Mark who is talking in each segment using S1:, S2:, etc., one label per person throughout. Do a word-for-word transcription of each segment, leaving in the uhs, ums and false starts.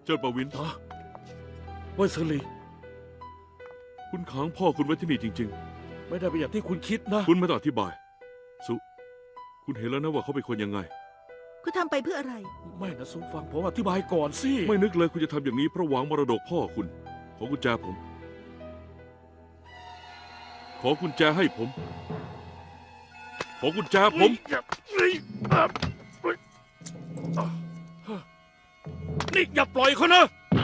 S1: จิ้นประวิน
S2: ฮะเว่ยเซินหลี
S1: คุณขังพ่อคุณไว้ที่นี่จริง
S2: ไม่ได้เป็นอย่างที่คุณคิดนะ
S1: ๆ คุณไม่ต้องอธิบาย สุคุณเห็นแล้วนะว่าเขาเป็นคนยังไง
S3: คุณทำไปเพื่ออะไร
S2: ไม่นะซุงฟังผมอธิบายก่อนสิ
S1: ไม่นึกเลยคุณจะทำอย่างนี้เพราะหวังมรดกพ่อคุณ ขอกุญแจผม ขอกุญแจให้ผม ขอกุญแจผม
S2: นี่อย่าปล่อยเขานะ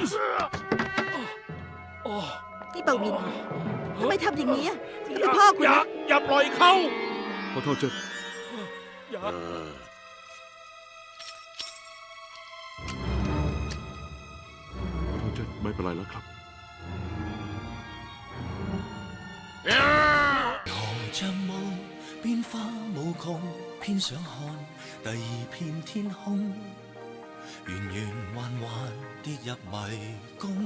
S2: อ๋อ
S3: นี่เปาวินทำไมทำอย่างนี้อ่ะนี่คือพ่อคุณ
S2: อย่า
S3: นะ
S2: อย่าปล่อยเขา
S1: ขอโทษเจิ้น
S2: อย่า
S1: ขอโทษเจิ้นไม่เป็นไรแล้วครับ
S4: 何像霧變化無窮，偏想看第二片天空，圓圓環環跌入迷宮。